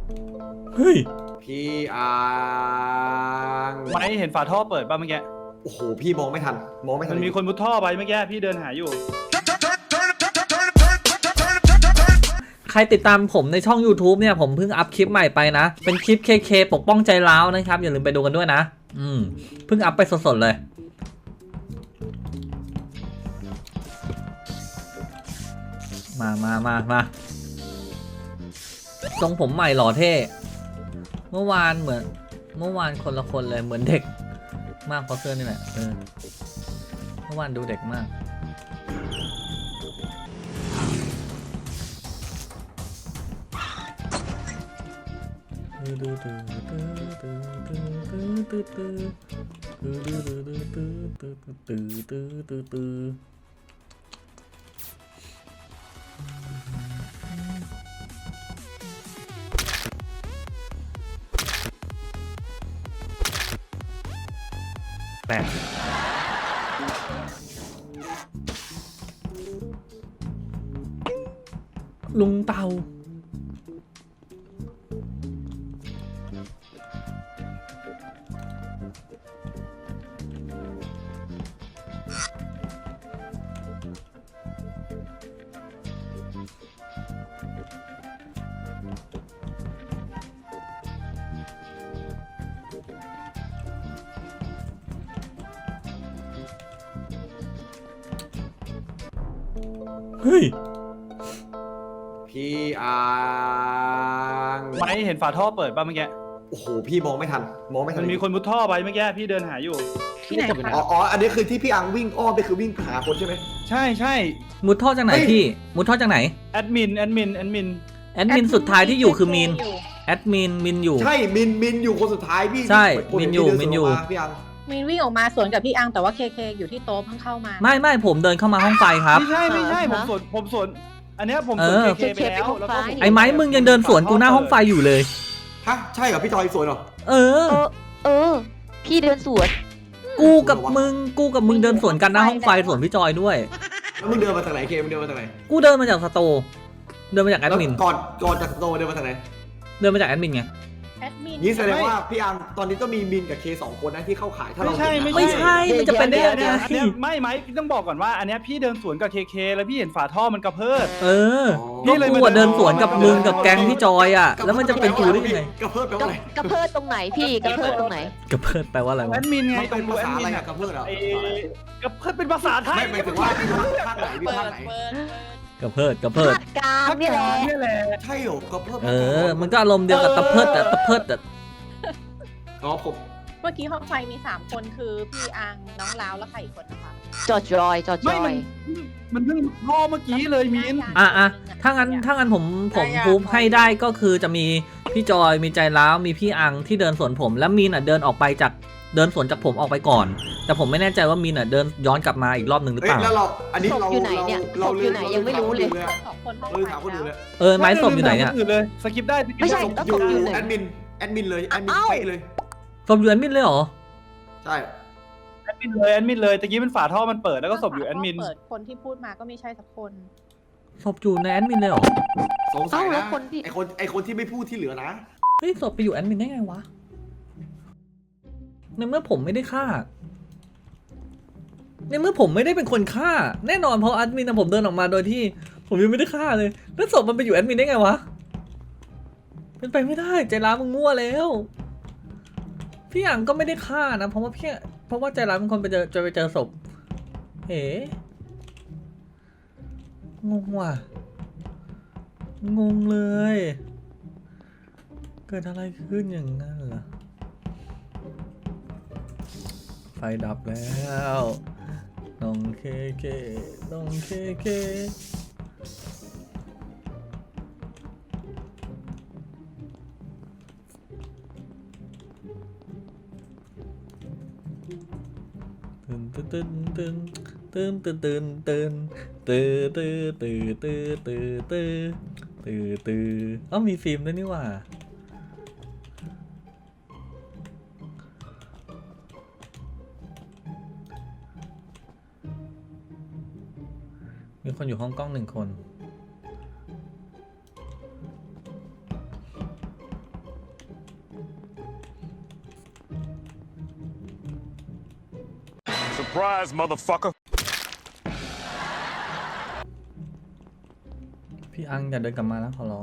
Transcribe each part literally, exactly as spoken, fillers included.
เฮ้ยพี่อังไม่เห็นฝาท่อเปิดป่ะเมื่อกี้โอ้โหพี่มองไม่ทันมองไม่ทันมันมีคนมุดท่อไปเมื่อกี้พี่เดินหาอยู่ใครติดตามผมในช่อง YouTube เนี่ยผมเพิ่งอัพคลิปใหม่ไปนะเป็นคลิป เค เค ปกป้องใจร้าวนะครับอย่าลืมไปดูกันด้วยนะอืมเพิ่งอัพไปสดๆเลยมามามามาทรงผมใหม่หล่อเท่เมื่อวานเหมือนเมื่อวานคนละคนเลยเหมือนเด็กมากเพราะเสื้อนี่แหละเออเมื่อวานดูเด็กมากแปดลุงเต่าเฮ้ยพี่อังไม่เห็นฝาท่อเปิดป่ะเมื่อกี้โอ้โหพี่มองไม่ทันมองไม่ทันมันมีคนมุดท่อไปเมื่อกี้พี่เดินหาอยู่ที่ไหนคะอ๋ออ๋ออันนี้คือที่พี่อังวิ่งอ้อมไปคือวิ่งหาคนใช่ไหมใช่ใช่มุดท่อจากไหนพี่มุดท่อจากไหนแอดมินแอดมินแอดมินแอดมินสุดท้ายที่อยู่คือมินแอดมินมินอยู่ใช่มินมินอยู่คนสุดท้ายพี่ใช่มินอยู่มินอยู่พี่อังมินวิ่งออกมาสวนกับพี่อังแต่ว่าเคเคอยู่ที่โต๊ะเพิ่งเข้ามาไม่ไม่ผมเดินเข้ามาห้องไฟครับไม่ใช่ไม่ใช่ผมสวนผมสวนอันนี้ผมสวนเคเคไปแล้วแล้วก็ไอ้ไม้มึงยังเดินสวนกูหน้าห้องไฟอยู่เลยฮะใช่เหรอพี่จอยสวนเหรอเออเออพี่เดินสวนกูกับมึงกูกับมึงเดินสวนกันหน้าห้องไฟสวนพี่จอยด้วยแล้วมึงเดินมาจากไหนเคมึงเดินมาจากไหนกูเดินมาจากสโตเดินมาจากแอดมินก่อนก่อนจากสโตเดินมาจากไหนเดินมาจากแอดมินไงแอดมินนี่แสดงว่าพี่อังตอนนี้ก็มีมินกับเคสองคนนะที่เข้าขายถ้าเราไม่ใช่ไม่ใช่มันจะเป็นได้ยังไงอันนี้ไม่ไม่ต้องบอกก่อนว่าอันนี้พี่เดินสวนกับเคเคแล้วพี่เห็นฝาท่อมันกระเพิดเออพี่เลยมาเดินสวนกับมึงกับแก๊งพี่จอยอ่ะแล้วมันจะเป็นกูได้ยังไงกระเพิดแปลว่าอะไรกระเพิดตรงไหนพี่กระเพิดตรงไหนกระเพิดแปลว่าอะไรแอดมินไงเป็นภาษาอะไรอะกระเพิดเหรอกระเพิดเป็นภาษาไทยไม่หมายถึงว่าภาคไหนพี่ภาคไหนกระเพิดกระเพิดกลางนี่แหละใช่เหรอกระเพิดเออมันก็อารมณ์เดียวกับตะเพิดแต่ตะเพิดแต่อ๋อผมเมื่อกี้ห้องไฟมีสามคนคือพี่อังน้องลาวแล้วใครอีกคนนะคะจอจอยจอจอยมันเพิ่งท่อเมื่อกี้เลยมินอ่ะอ่ะถ้างั้นถ้างั้นผมผมพูดให้ได้ก็คือจะมีพี่จอยมีใจร้าวมีพี่อังที่เดินสวนผมแล้วมีนอ่ะเดินออกไปจากเดินสวนจากผมออกไปก่อนแต่ผมไม่แน่ใจว่ามีนอ่ะเดินย้อนกลับมาอีกรอบหนึ่งหรือเปล่าแล้วเราอันนี้เราอยู่ไหนเนี่ยเราอยู่ไหนยังไม่รู้เลยสองคนห้องไฟแล้วเออไม้ศพอยู่ไหนเนี่ยสกิปได้ไม่ใช่ต้องศพอยู่ไหนแอดมินแอดมินเลยแอดมินไปเลยศพอยู่แอดมินเลยเหรอใช่แอดมินเลยแอดมินเลยตะกี้เป็นฝาท่อมันเปิดแล้วก็ศพอยู่แอดมินเปิดคนที่พูดมาก็ไม่ใช่สักคนศพอยู่ในแอดมินเลยเหรอสงสัยนะไอคนไอคนที่ไม่พูดที่เหลือนะเฮ้ยศพไปอยู่แอดมินได้ไงวะในเมื่อผมไม่ได้ฆ่าในเมื่อผมไม่ได้เป็นคนฆ่าแน่นอนเพราะแอดมินนะผมเดินออกมาโดยที่ผมยังไม่ได้ฆ่าเลยแล้วศพมันไปอยู่แอดมินได้ไงวะเป็นไปไม่ได้ใจร้ายมึงมั่วแล้วพี่อังก็ไม่ได้ฆ่านะเพราะว่าพี่เพราะว่าใจร้ายเป็นคนไปเจอจะไปเจอศพเอ๋งงว่ะงงเลยเกิดอะไรขึ้นอย่างนั้นล่ะไฟดับแล้วน้องเคเคน้องเคเคตื่นตื่นตื่นตื่นตื่นตื่นตื่นตื่นตื่นตื่นตื่นตื่นตื่นตื่นตื่นอ๋อมีฟิล์มด้วยนี่ว่ามีคนอยู่ห้องกล้องหนึ่งคน Surprise, motherfucker. พี่อังอย่าเดินกลับมานะขอร้อง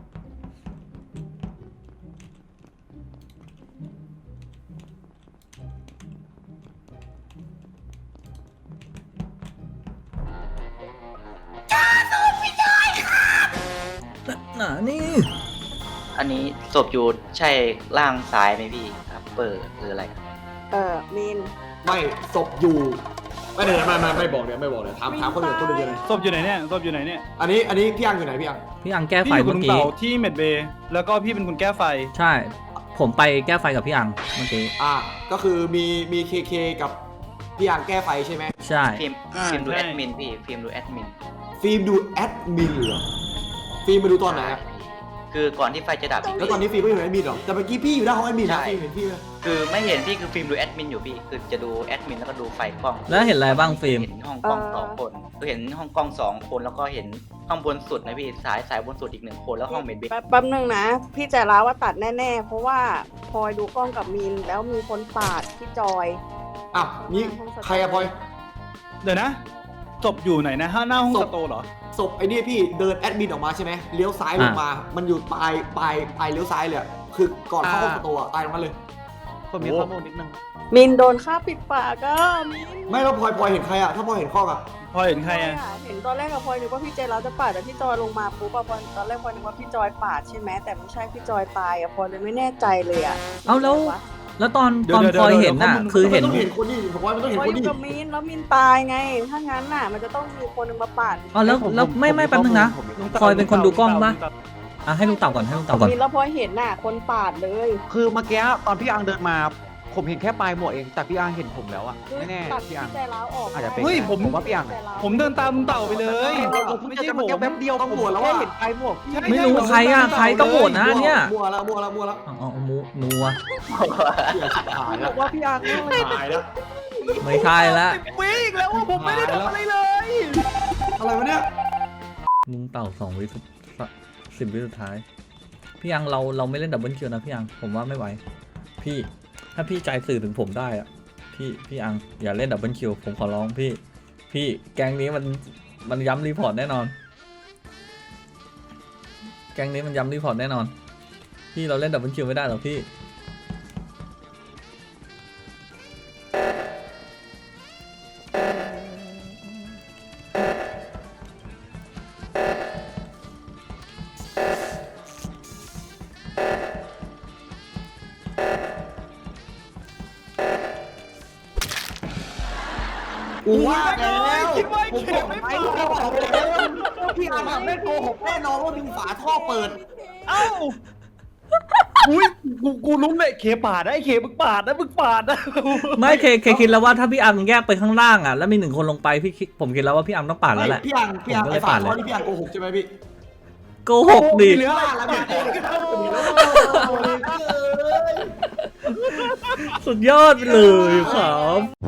หนานี่อันนี้ศพอยู่ใช่ล่างซ้ายไหมพี่ครับเปิดหรืออะไรเออมินไม่ศพอยู่ไม่เดี๋ยวไม่ไม่ไม่บอกเดี๋ยวไม่บอกเดี๋ยวถามถามคนอื่นคนอื่นเลยศพอยู่ไหนเนี่ยศพอยู่ไหนเนี่ยอันนี้อันนี้พี่อังอยู่ไหนพี่อังพี่อังแก้ไฟพี่อยู่กับเมื่ลุอง กี้เต่าที่เมดเบย์แล้วก็พี่เป็นคนแก้ไฟใช่ ผมไปแก้ไฟกับพี่อังเมื่อกี้อ่าก็คือมีมีเคเคกับพี่อังแก้ไฟใช่ไหมใช่ฟิล์มอ่าฟิล์มดูใช่แอดมินพี่ฟิล์มดูแอดมินฟิล์มดูแอดมินเหรอฟิล์มมาดูตอนไหนอะคือก่อนที่ไฟจะดับแล้วตอนนี้ฟิล์มก็อยู่ในแอดมินเหรอแต่เมื่อกี้พี่อยู่หน้าห้องแอดมินนะใช่ฟิล์มเห็นพี่ไหมคือไม่เห็นพี่คือฟิล์มดูแอดมินอยู่พี่คือจะดูแอดมินแล้วก็ดูไฟกล้องแล้วเห็นอะไรบ้างฟิล์มเห็นห้องกล้องสองคนคือเห็นห้องกล้องสองคนแล้วก็เห็นห้องบนสุดนะพี่สายสายบนสุดอีกหนึ่งคนแล้วห้องเมดเบย์แป๊บแป๊บนึงนะ พี่ใจร้าวว่าตัดแน่ๆ เพราะว่าพลอยดูกล้องกับมินแล้วมีคนปาดพี่จอยอ้าวนี่ใครอะพลอยเดี๋ยวนะศพอยู่ไหนนะห้าหน้าห้องศสพโตร์เหรอศพไอ้นี่พี่เดินแอดมินออกมาใช่ไหมเลี้ยวซ้ายลงมา มันอยู่ปลายปลายปลายเลี้ยวซ้ายเลยอะคือก่อนเข้าห้องประตูอะตายตรงนั้นเลยผมมีข้อมูลนิดนึงมินโดนฆ่าปิดปากก็มินไม่แล้วพลอยพลอยเห็นใครอะถ้าพลอยเห็นข้ออะพอเห็นใครอ่ะเห็นตอนแรกกับพลอยนึกว่าพี่ใจร้าวจะปาดแต่พี่จอยลงมาปุ๊บอะพลอยตอนแรกพลอยนึกว่าพี่จอยปาดใช่ไหมแต่ไม่ใช่พี่จอยตายอะพลอยเลยไม่แน่ใจเลยอะเอาแล้ว แล้วตอนเดี๋ยตวอนเดี๋ยวพลอยเดี๋ยวเห็นน่ะเดี๋ยวคือเห็นมันต้องเห็นคนนี้ผมว่ามันต้องพเห็นลอยคนอยู่นี้กับมินแล้วมินตายไง ถ้างั้นน่ะ มันจะต้องมีคนหนึงมาปาดอ๋อแล้วแล้วไม่ไม่แป๊บนึงนะพลอยเป็นคนดูกล้องปะอ่ะให้ลุงเต่าก่อนให้ลุงเต่าก่อนมินแล้วพลอยเห็นน่ะ คนปาดเลยคือเมื่อกี้ตอนพี่อังเดินมาผมเห็นแค่ปลายหมวกเองแต่พี่อังเห็นผมแล้วอะคือแน่ตัดๆพี่พี่อังใจร้าวออกอาจจะเป็นเฮ้ยผมผมว่าพี่อังใจร้าวผมเดินตามลุงเต่าไปเลยเราเพิ่งเจอกันเมื่อกี้แป๊บเดียวต้องผมโหวตแล้วแค่อะเห็นปลายหมวกพี่ไม่รู้ใครอ่ะใครก็โหวตนะเนี่ยมั่วแล้วมั่วแล้วมั่วแล้วอ๋ออ๋อมูนัวเหี้ยชิบหายบแล้อวกว่าพี่อังเนี่ยหายแล้วไม่ใช่ละวิ่งแล้วอะผมไม่ได้ทำอะไรเลยอะไรวะเนี่ยลุงเต่าสองวิสุดสิบวิสุดท้าย พี่ยังเราเราไม่เล่นดับเบิลคิวนะพี่ยังผมว่าไม่ไหว พี่ถ้าพี่ใจสื่อถึงผมได้อะพี่พี่อังอย่าเล่นดับเบิลคิวผมขอร้องพี่ พี่แก๊งนี้มันมันย้ำรีพอร์ตแน่นอน แก๊งนี้มันย้ำรีพอร์ตแน่นอน พี่เราเล่นดับเบิลคิวไม่ได้หรอกพี่กูว่าแล้วคิดว่าผมเข็บอมกไม่ไปเปิดแล้วพี่อังอะไม่โกหกแน่นอนว่ามีฝาท่อเปิดเอ้าอุ้ยกูกูรู้เลยเคปาดนะไอ้เคมึงปาดนะมึงปาดนะไม่เคเคคิดแล้วว่าถ้าพี่อังแยกไปข้างล่างอ่ะแล้วมีหนึ่งคนลงไปพี่คิดผมคิดแล้วว่าพี่อังต้องปาดแล้วแหละพี่อังพี่อังผมก็เลไอ้ยฝาปาดเลยท่อนี่พี่อังโกหกใช่ไหมพี่โกหกดิเหลือว่าแล้วพี่โกหกสุดยอดไปเลยครับ